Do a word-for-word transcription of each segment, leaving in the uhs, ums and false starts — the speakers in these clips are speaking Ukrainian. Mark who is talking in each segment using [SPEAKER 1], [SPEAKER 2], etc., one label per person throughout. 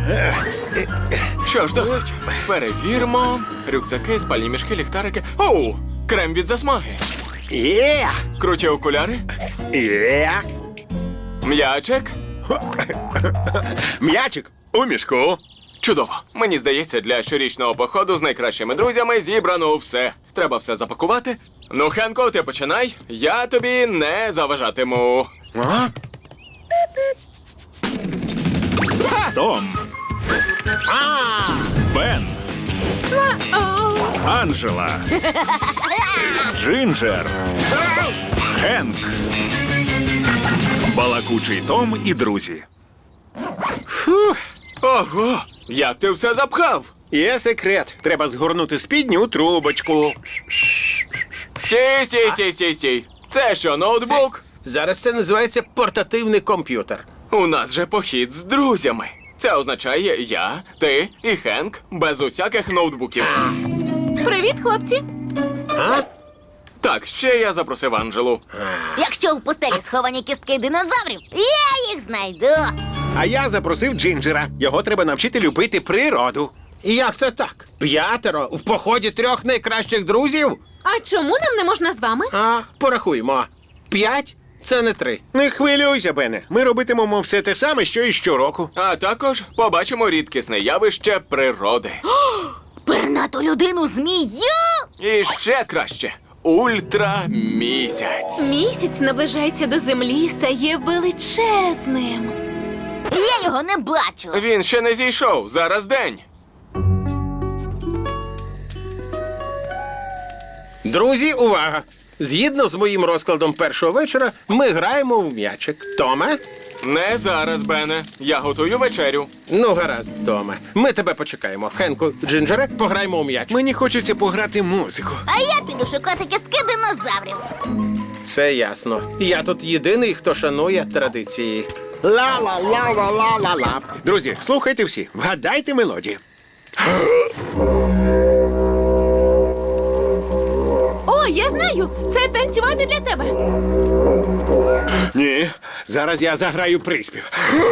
[SPEAKER 1] Що ж, досить. Перевіримо. Рюкзаки, спальні мішки, ліхтарики. Оу! Крем від засмаги.
[SPEAKER 2] Є!
[SPEAKER 1] Круті окуляри.
[SPEAKER 2] Є!
[SPEAKER 1] М'ячик.
[SPEAKER 2] М'ячик у мішку.
[SPEAKER 1] Чудово. Мені здається, для щорічного походу з найкращими друзями зібрано все. Треба все запакувати. Ну, Хенко, ти починай. Я тобі не заважатиму.
[SPEAKER 2] А?
[SPEAKER 3] Том. Бен. Анжела. Джинджер. Хенк. Балакучий Том і друзі.
[SPEAKER 1] Ого! Як ти все запхав?
[SPEAKER 2] Є секрет. Треба згорнути спідню у трубочку.
[SPEAKER 1] Стій, стій, стій, стій, стій. Це що, ноутбук?
[SPEAKER 4] Зараз це називається портативний комп'ютер.
[SPEAKER 1] У нас же похід з друзями. Це означає я, ти і Хенк без усяких ноутбуків.
[SPEAKER 5] Привіт, хлопці!
[SPEAKER 4] А?
[SPEAKER 1] Так, ще я запросив Анжелу.
[SPEAKER 6] Якщо у пустелі сховані кістки динозаврів, я їх знайду.
[SPEAKER 2] А я запросив Джинджера. Його треба навчити любити природу.
[SPEAKER 4] І як це так? П'ятеро в поході трьох найкращих друзів?
[SPEAKER 5] А чому нам не можна з вами?
[SPEAKER 4] А, порахуймо. П'ять – це не три.
[SPEAKER 2] Не хвилюйся, Бене. Ми робитимемо все те саме, що і щороку.
[SPEAKER 1] А також побачимо рідкісне явище природи.
[SPEAKER 6] Пернату людину змію.
[SPEAKER 1] І ще краще – ультрамісяць.
[SPEAKER 5] Місяць наближається до землі, стає величезним.
[SPEAKER 6] Я його не бачу.
[SPEAKER 1] Він ще не зійшов, зараз день.
[SPEAKER 4] Друзі, увага! Згідно з моїм розкладом першого вечора, ми граємо в м'ячик. Томе?
[SPEAKER 1] Не зараз, Бене. Я готую вечерю.
[SPEAKER 4] Ну, гаразд, Томе. Ми тебе почекаємо. Хенку, Джинджере, пограємо у м'яч.
[SPEAKER 2] Мені хочеться пограти музику.
[SPEAKER 6] А я піду шукати кістки динозаврів.
[SPEAKER 4] Все ясно. Я тут єдиний, хто шанує традиції.
[SPEAKER 2] Ла-ла-ла-ла-ла-ла-ла. Друзі, слухайте всі. Вгадайте мелодію.
[SPEAKER 5] О, я знаю! Це танцювати для тебе.
[SPEAKER 2] Ні, зараз я заграю приспів.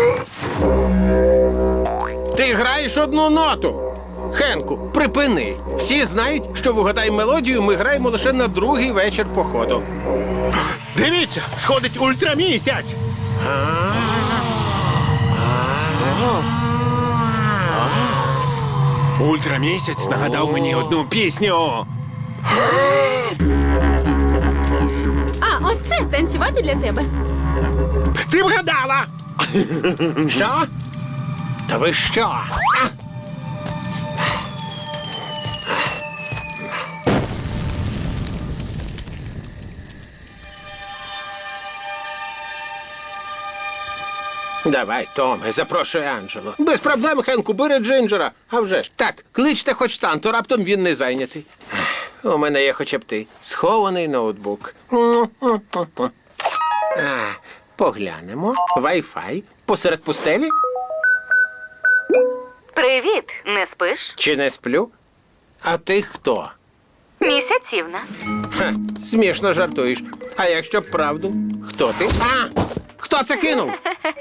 [SPEAKER 4] Ти граєш одну ноту. Хенку, припини. Всі знають, що вгадай мелодію ми граємо лише на другий вечір походу.
[SPEAKER 2] Дивіться, сходить ультрамісяць. Ультрамісяць нагадав мені одну пісню.
[SPEAKER 5] А, оце танцювати для тебе.
[SPEAKER 2] Ти вгадала!
[SPEAKER 4] Що? Та ви що? А? Давай, Томе, запрошуй Анджелу. Без проблем, Хенку, бери Джинджера. А вже ж. Так, кличте хоч там, то раптом він не зайнятий. У мене є хоча б ти. Схований ноутбук. А, поглянемо. Вай-фай. Посеред пустелі?
[SPEAKER 7] Привіт, не спиш?
[SPEAKER 4] Чи не сплю? А ти хто?
[SPEAKER 7] Місяцівна.
[SPEAKER 4] Ха, смішно жартуєш. А якщо б правду? Хто ти? А! Хто це кинув?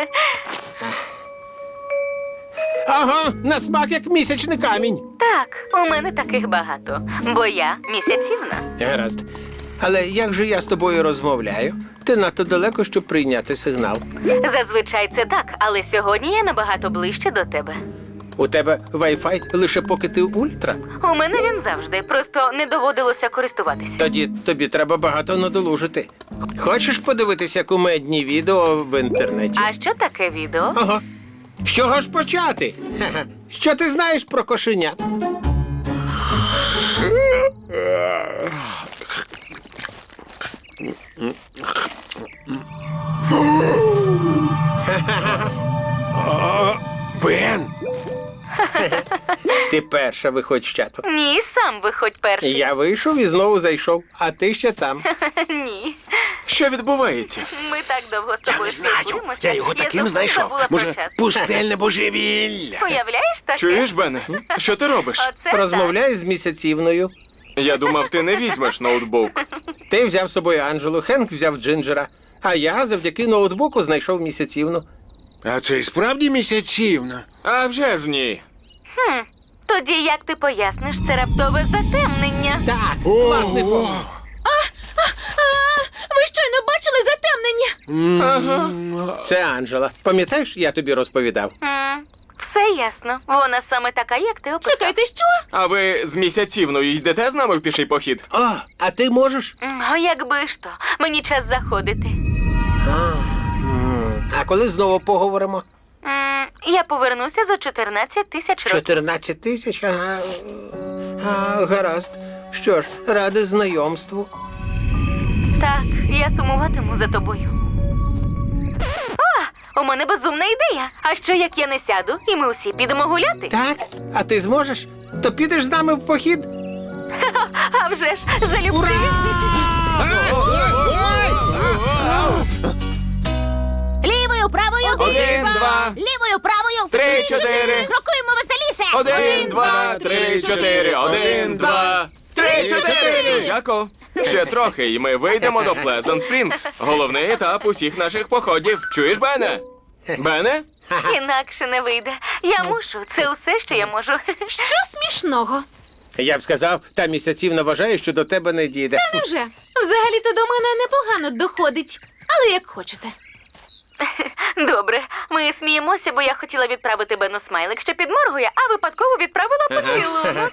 [SPEAKER 4] Ага, на смак як місячний камінь.
[SPEAKER 7] Так, у мене таких багато, бо я місяцівна.
[SPEAKER 4] Гаразд. Але як же я з тобою розмовляю? Ти надто далеко, щоб прийняти сигнал.
[SPEAKER 7] Зазвичай це так, але сьогодні я набагато ближче до тебе.
[SPEAKER 4] У тебе Wi-Fi лише поки ти ультра.
[SPEAKER 7] У мене він завжди, просто не доводилося користуватися.
[SPEAKER 4] Тоді тобі треба багато надолужити. Хочеш подивитися кумедні відео в інтернеті?
[SPEAKER 7] А що таке відео?
[SPEAKER 4] Ага. З чого ж почати? Ха-ха. Що ти знаєш про кошенят?
[SPEAKER 2] Бен!
[SPEAKER 4] Ти перша виходь з чату.
[SPEAKER 7] Ні, сам виходь перший.
[SPEAKER 4] Я вийшов і знову зайшов, а ти ще там.
[SPEAKER 7] Ні.
[SPEAKER 1] Що відбувається?
[SPEAKER 7] Ми так довго з
[SPEAKER 2] Я
[SPEAKER 7] тобою
[SPEAKER 2] не знаю.
[SPEAKER 7] спілкуємося.
[SPEAKER 2] Я його таким
[SPEAKER 7] зовсім
[SPEAKER 2] знайшов.
[SPEAKER 7] забула про
[SPEAKER 2] Може,
[SPEAKER 7] час.
[SPEAKER 2] пустельне божевілля.
[SPEAKER 7] Уявляєш таке?
[SPEAKER 1] Чуєш, Бене? Що ти робиш?
[SPEAKER 7] Оце
[SPEAKER 4] Розмовляю з місяцівною.
[SPEAKER 1] Я думав, ти не візьмеш ноутбук.
[SPEAKER 4] Ти взяв з собою Анджелу, Хенк взяв Джинджера, а я завдяки ноутбуку знайшов місяцівну.
[SPEAKER 2] А це і справді місяцівна.
[SPEAKER 1] А вже ж ні.
[SPEAKER 7] Хм. Тоді як ти поясниш це раптове затемнення?
[SPEAKER 4] Так, класний фокус.
[SPEAKER 5] Ви щойно бачили затемнення?
[SPEAKER 1] Ага.
[SPEAKER 4] Це Анджела. Пам'ятаєш, я тобі розповідав?
[SPEAKER 7] М, Все ясно. Вона саме така, як ти описав.
[SPEAKER 5] Чекайте, що?
[SPEAKER 1] А ви з місяцівною йдете з нами в піший похід?
[SPEAKER 4] О, а ти можеш?
[SPEAKER 7] М, О, якби ж то. Мені час заходити.
[SPEAKER 4] М, А коли знову поговоримо?
[SPEAKER 7] М, Я повернуся за чотирнадцять тисяч років.
[SPEAKER 4] чотирнадцять тисяч? Ага. А, гаразд. Що ж, радий знайомству.
[SPEAKER 7] Так, я сумуватиму за тобою. О, у мене безумна ідея. А що як я не сяду, і ми усі підемо гуляти?
[SPEAKER 4] Так? А ти зможеш? То підеш з нами в похід?
[SPEAKER 7] А вже ж, залюбки.
[SPEAKER 6] Лівою, правою.
[SPEAKER 1] Один, два.
[SPEAKER 6] Лівою, правою.
[SPEAKER 1] Три, чотири.
[SPEAKER 6] Крокуємо веселіше.
[SPEAKER 1] Один, два, три, чотири. Один, два, три, чотири. Друзяко, ще трохи, і ми вийдемо до Плезант Спрінгс. Головний етап усіх наших походів. Чуєш, Бене? Бене?
[SPEAKER 7] Інакше не вийде. Я мушу. Це усе, що я можу.
[SPEAKER 5] Що смішного?
[SPEAKER 4] Я б сказав, та місяцівна вважає, що до тебе не дійде.
[SPEAKER 5] Невже? Взагалі-то до мене непогано доходить. Але як хочете.
[SPEAKER 7] Добре, ми сміємося, бо я хотіла відправити Бену смайлик, що підморгує, а випадково відправила поцілунок.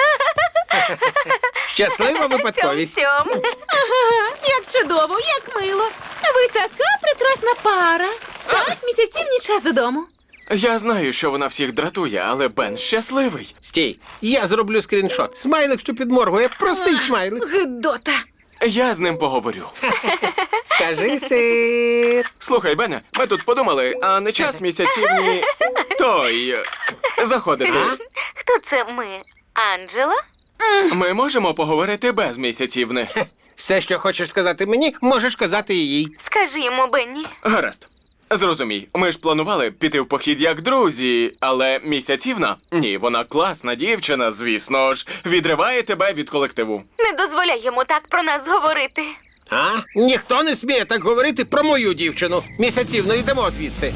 [SPEAKER 4] Щаслива випадковість.
[SPEAKER 7] Цьом-цьом.
[SPEAKER 5] Ага, як чудово, як мило. Ви така прекрасна пара. Так, місяцівні час додому.
[SPEAKER 1] Я знаю, що вона всіх дратує, але Бен щасливий.
[SPEAKER 4] Стій, я зроблю скріншот. Смайлик, що підморгує, простий смайлик.
[SPEAKER 5] Гидота.
[SPEAKER 1] Я з ним поговорю.
[SPEAKER 4] Скажи сир.
[SPEAKER 1] Слухай, Бене, ми тут подумали, а не час місяцівні той е, заходити.
[SPEAKER 7] Хто це ми? Анджела?
[SPEAKER 1] Ми можемо поговорити без місяцівни.
[SPEAKER 4] Все, що хочеш сказати мені, можеш казати і їй.
[SPEAKER 7] Скажи йому, Бенні.
[SPEAKER 1] Гаразд. Зрозумій, ми ж планували піти в похід як друзі, але місяцівна? Ні, вона класна дівчина, звісно ж, відриває тебе від колективу.
[SPEAKER 7] Не дозволяй йому так про нас говорити.
[SPEAKER 4] А? Ніхто не сміє так говорити про мою дівчину. Місяцівно йдемо звідси.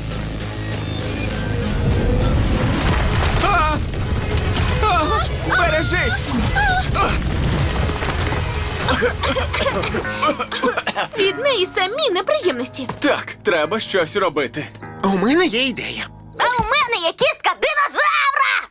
[SPEAKER 1] А! А! Бережись!
[SPEAKER 5] Від неї самі неприємності.
[SPEAKER 1] Так, треба щось робити.
[SPEAKER 2] У мене є ідея.
[SPEAKER 6] А у мене є кістка динозавра.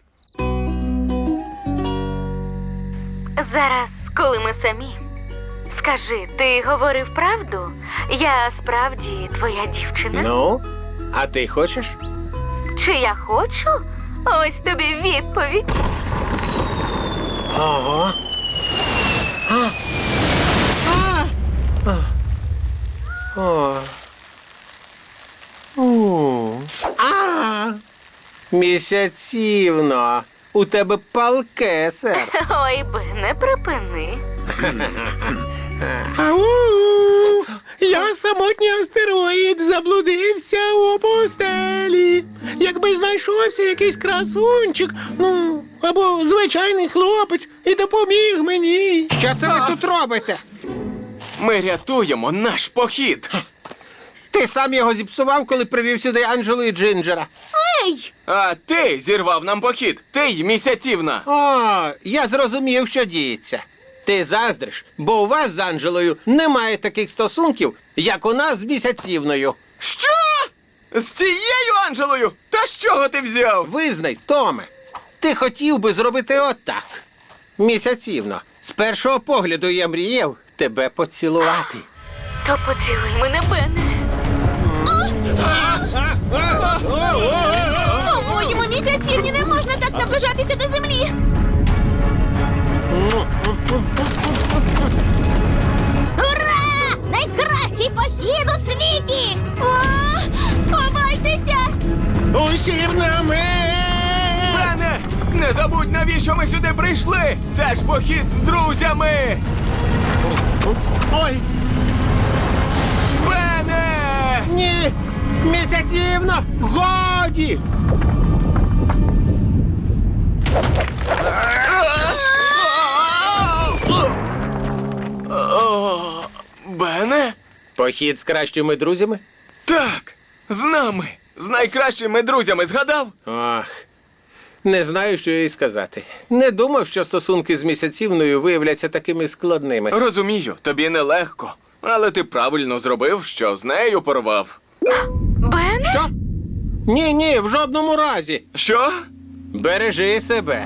[SPEAKER 7] Зараз, коли ми самі. Скажи, ти говорив правду? Я справді твоя дівчина?
[SPEAKER 4] Ну, а ти хочеш?
[SPEAKER 7] Чи я хочу? Ось тобі відповідь.
[SPEAKER 4] Ого. А. А. А. О. У. А. Місяцівно, у тебе палке серце.
[SPEAKER 7] Ой, Бене, припини.
[SPEAKER 2] Ау! Я самотній астероїд заблудився у пустелі. Якби знайшовся якийсь красунчик, ну, або звичайний хлопець, і допоміг мені.
[SPEAKER 4] Що це ви тут робите?
[SPEAKER 1] Ми рятуємо наш похід.
[SPEAKER 4] Ти сам його зіпсував, коли привів сюди Анджелу і Джинджера.
[SPEAKER 5] Ей!
[SPEAKER 1] А ти зірвав нам похід. Ти й місяцівна.
[SPEAKER 4] О, я зрозумів, що діється. Ти заздриш, бо у вас з Анджелою немає таких стосунків, як у нас з місяцівною.
[SPEAKER 1] Що? З цією Анджелою? Та з чого ти взяв?
[SPEAKER 4] Визнай, Томе, ти хотів би зробити отак. Місяцівно, з першого погляду я мріяв тебе поцілувати.
[SPEAKER 7] То поцілуй мене, Бене.
[SPEAKER 5] По-моєму, місяцівні не можна так наближатися до землі.
[SPEAKER 6] Ура! Найкращий похід у світі!
[SPEAKER 5] О, ховайтеся!
[SPEAKER 2] Усім на мене!
[SPEAKER 1] Бене! Не забудь, навіщо ми сюди прийшли! Це ж похід з друзями!
[SPEAKER 2] Ой,
[SPEAKER 1] Бене!
[SPEAKER 4] Ні, місяцівно, годі!
[SPEAKER 1] О, Бене?
[SPEAKER 4] Похід з кращими друзями?
[SPEAKER 1] Так, з нами. З найкращими друзями згадав?
[SPEAKER 4] Ох, не знаю, що їй сказати. Не думав, що стосунки з місяцівною виявляться такими складними.
[SPEAKER 1] Розумію, тобі нелегко. Але ти правильно зробив, що з нею порвав.
[SPEAKER 7] Бен?
[SPEAKER 4] Що? Ні, ні, в жодному разі.
[SPEAKER 1] Що?
[SPEAKER 4] Бережи себе.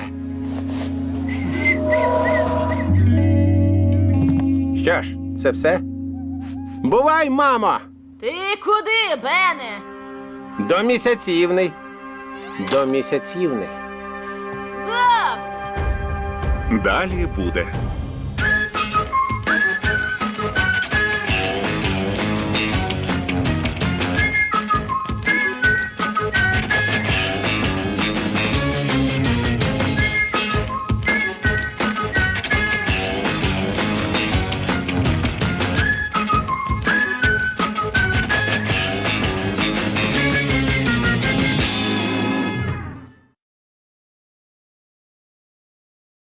[SPEAKER 4] Що ж, це все? Бувай, мамо!
[SPEAKER 6] Ти куди, Бене?
[SPEAKER 4] До місяцівний. До місяцівний.
[SPEAKER 6] Гав!
[SPEAKER 3] Далі буде.